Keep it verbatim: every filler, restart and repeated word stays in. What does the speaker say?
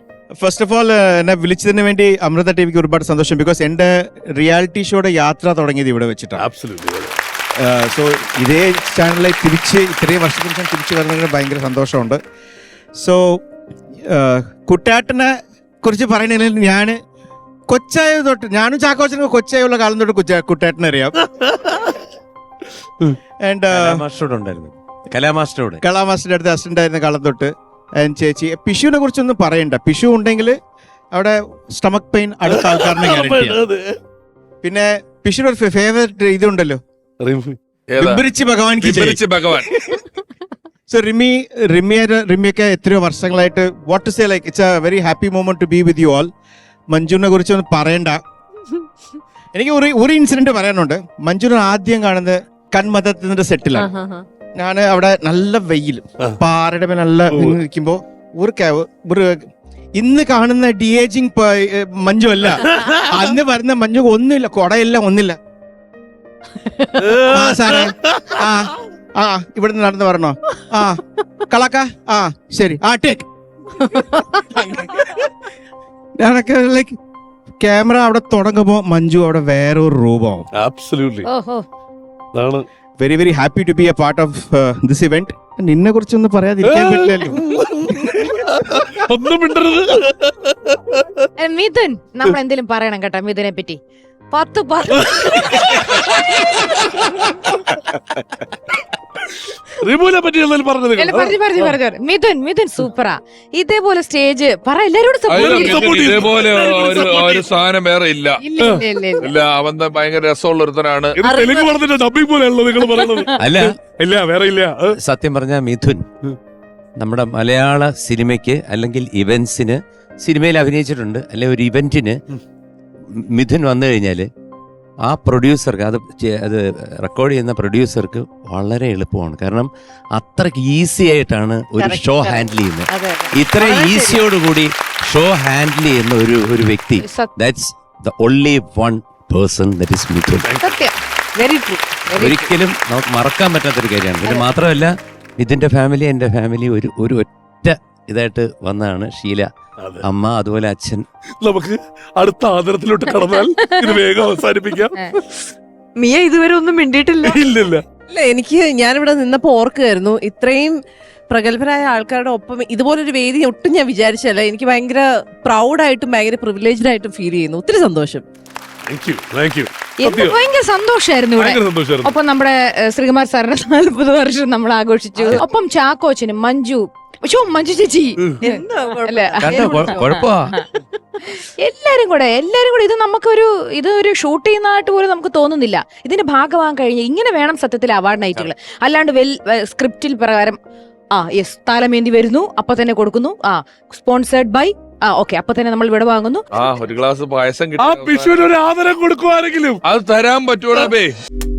First of all എന്നെ വിളിച്ചതിന് വേണ്ടി അമൃത ടിവിക്ക് ഒരുപാട് സന്തോഷം. ബിക്കോസ് എൻ്റെ റിയാലിറ്റി ഷോയുടെ യാത്ര തുടങ്ങിയത് ഇവിടെ വെച്ചിട്ടാണ്. സോ ഇതേ ചാനലിൽ തിരിച്ച് ഇത്രയും വർഷത്തിന് ശേഷം തിരിച്ചു വരുന്നതിന് ഭയങ്കര സന്തോഷമുണ്ട്. സോ കുട്ടാട്ടനെ കുറിച്ച് പറയുന്നതിൽ ഞാൻ കൊച്ചായ തൊട്ട്, ഞാനും ചാക്കോച്ചനും കൊച്ചായുള്ള കാലം തൊട്ട് കൊച്ച കുട്ടാട്ടനെ അറിയാം. ആൻഡ് കലാമാസ്റ്ററോട് കലാമാസ്റ്ററുടെ അടുത്ത് അസിസ്റ്റന്റ് ആയിരുന്ന കാലം തൊട്ട് ചേച്ചി പിഷുവിനെ കുറിച്ചൊന്നും പറയണ്ട. പിഷു ഉണ്ടെങ്കിൽ അവിടെ സ്റ്റമക് പെയിൻ അടുത്ത ആൾക്കാരനെ ഗ്യാരണ്ടിയാണ്. പിന്നെ പിഷുവിന്റെ ഒരു ഫേവറേറ്റ് ഇതുണ്ടല്ലോ, റിംബിരിച്ച് ഭഗവാൻ ഭഗവാൻ. സോ റിമി റിമിയുടെ റിമിയൊക്കെ എത്രയോ വർഷങ്ങളായിട്ട് what to say like it's a very happy moment to be with you all. മഞ്ജുവിനെ കുറിച്ച് ഒന്നും പറയണ്ട. എനിക്ക് ഒരു ഒരു ഇൻസിഡന്റ് പറയാനുണ്ട്. മഞ്ജുവിനെ ആദ്യം കാണുന്നത് കൺമതത്തിന്റെ സെറ്റിലാണ്. ഞാൻ അവിടെ നല്ല വെയിൽ, പാറയുടെ മേലെ നല്ല നിൽക്കുമ്പോ ഒരു ഒരു ഇന്ന് കാണുന്ന ഡി ഏജിങ് മഞ്ജു അല്ല, അന്ന് വരുന്ന മഞ്ജു ഒന്നുമില്ല, കൊടയില്ല, ഒന്നില്ല. ആ സാറേ, ആ ആ ഇവിടുന്ന് നടന്ന് പറഞ്ഞോ, ആ കളക്ക, ആ ശരി, ആ ടേക്ക്. ഞാനൊക്കെ ലൈക്ക് ക്യാമറ അവിടെ തുടങ്ങുമ്പോ മഞ്ജു അവിടെ വേറെ ഒരു രൂപമാവും. Very very happy to be a part of this event. നിന്നെ കുറിച്ചൊന്നും പറയാതിരിക്കാൻ പറ്റില്ലല്ലോ. മിഥുൻ, നമ്മൾ എന്തെങ്കിലും പറയണം കേട്ടോ മിഥുനെ പറ്റി. പത്ത് മിഥുൻ മിഥുൻ സൂപ്പറാ. ഇതേപോലെ സ്റ്റേജ് പറ എല്ലാരോടും ഇതേപോലെ ഒരു സാധനം വേറെ ഇല്ല. ഇല്ല, അവൻ ഭയങ്കര രസമുള്ള ഒരുത്തനാണ്. അല്ല വേറെ ഇല്ല. സത്യം പറഞ്ഞ മിഥുൻ നമ്മുടെ മലയാള സിനിമയ്ക്ക് അല്ലെങ്കിൽ ഇവന്റ്സിന്, സിനിമയിൽ അഭിനയിച്ചിട്ടുണ്ട്, അല്ലെ ഒരു ഇവന്റിന് മിഥുൻ വന്നു കഴിഞ്ഞാൽ ആ പ്രൊഡ്യൂസർക്ക് അത് അത് റെക്കോർഡ് ചെയ്യുന്ന പ്രൊഡ്യൂസർക്ക് വളരെ എളുപ്പമാണ്. കാരണം അത്രയ്ക്ക് ഈസി ആയിട്ടാണ് ഒരു ഷോ ഹാൻഡിൽ ചെയ്യുന്നത്. ഇത്ര ഈസിയോടുകൂടി ഷോ ഹാൻഡിൽ ചെയ്യുന്ന ഒരു ഒരു വ്യക്തി, that's the only one person, that is Mithun. ഒരിക്കലും നമുക്ക് മറക്കാൻ പറ്റാത്തൊരു കാര്യമാണ്. ഇത് മാത്രമല്ല, ഇതിന്റെ ഫാമിലി എൻ്റെ ഫാമിലി ഒരു ഒരു ഒറ്റ ഇതായിട്ട് വന്നതാണ്. ഷീല അമ്മ, അതുപോലെ അച്ഛൻ. നമുക്ക് അടുത്ത ആദരത്തിലോട്ട് കടന്നാൽ ഇത് വേഗം അവസാനിപ്പിക്കാം. മിയ ഇതുവരെ ഒന്നും മിണ്ടിയിട്ടില്ല. ഇല്ലില്ല. ഇല്ല, എനിക്ക് ഞാനിവിടെ നിന്നപ്പോ ഓർക്കുകയായിരുന്നു, ഇത്രയും പ്രഗത്ഭരായ ആൾക്കാരുടെ ഒപ്പം ഇതുപോലൊരു വേദി ഒട്ടും ഞാൻ വിചാരിച്ചല്ല. എനിക്ക് ഭയങ്കര പ്രൗഡായിട്ടും ഭയങ്കര പ്രിവിലേജ്ഡ് ആയിട്ടും ഫീൽ ചെയ്യുന്നു. ഒത്തിരി സന്തോഷം. ഭയങ്കര സന്തോഷമായിരുന്നു ഇവിടെ. ഒപ്പം നമ്മുടെ ശ്രീകുമാർ സാറിന്റെ നാൽപ്പത് വർഷം നമ്മൾ ആഘോഷിച്ചു. ഒപ്പം ചാക്കോച്ചനും മഞ്ജു മഞ്ജു ചേച്ചി എല്ലാരും കൂടെ എല്ലാരും കൂടെ ഇത് നമുക്കൊരു ഇത് ഒരു ഷൂട്ട് ചെയ്യുന്നതായിട്ട് പോലും നമുക്ക് തോന്നുന്നില്ല. ഇതിന്റെ ഭാഗമാകാൻ കഴിഞ്ഞ് ഇങ്ങനെ വേണം സത്യത്തിൽ അവാർഡ് നൈറ്റുകൾ. അല്ലാണ്ട് വെൽ സ്ക്രിപ്റ്റിൽ പ്രകാരം ആ യെസ് താലമേന്തി വരുന്നു, അപ്പൊ തന്നെ കൊടുക്കുന്നു, ആ സ്പോൺസേർഡ് ബൈ, ആ ഓക്കെ അപ്പൊ തന്നെ നമ്മൾ ഇവിടെ വാങ്ങുന്നു. ആ ഒരു ഗ്ലാസ് പായസം കിട്ടും, ഒരു ആദരം കൊടുക്കുവാണെങ്കിലും അത് തരാൻ പറ്റൂടാ.